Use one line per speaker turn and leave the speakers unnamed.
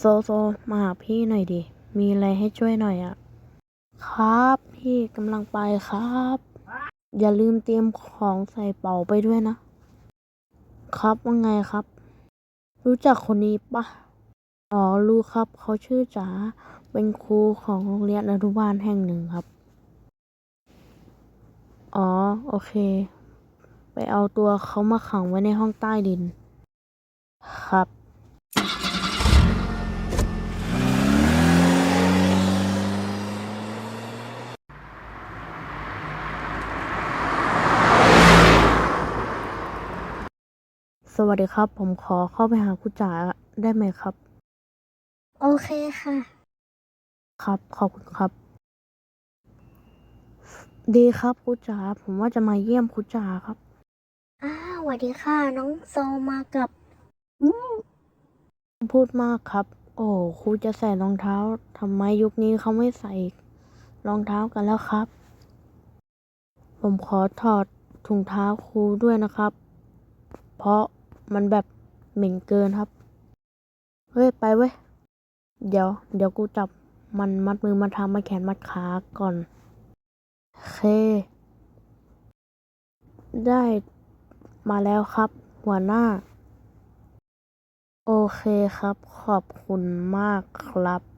โซมาหาพี่หน่อยดิ มีอะไรให้ช่วยหน่อยอ่ะ ครับพี่กำลังไปครับ อย่าลืมเตรียมของใส่เป๋าไปด้วยนะ ครับว่าไงครับ รู้จักคนนี้ปะอ๋อรู้ครับเขาชื่อจ๋าเป็นครูของโรงเรียนอนุบาลแห่งหนึ่งครับ อ๋อโอเค ไปเอาตัวเขามาขังไว้ในห้องใต้ดิน ครับ สวัสดีครับ ผมขอเข้าไปหาคุณจ๋าได้ไหมครับ
โอเคค่ะ
ครับ ขอบคุณครับ ดีครับคุณจ๋าผมว่าจะมาเยี่ยมคุณจ๋าครับ
สวัสดีค่ะ น้องโซมากับ
พูดมากครับ โอ้ครูจะใส่รองเท้าทำไมยุคนี้เขาไม่ใส่รองเท้ากันแล้วครับ ผมขอถอดถุงเท้าครูด้วยนะครับ เพราะมันแบบเหม็นเกินครับ เฮ้ยไปเว้ย เดี๋ยวกูจับมันมัดมือมัดเท้ามัดแขนมัดขาก่อนโอเค ได้มาแล้วครับ หัวหน้า โอเคครับ ขอบคุณมากครับ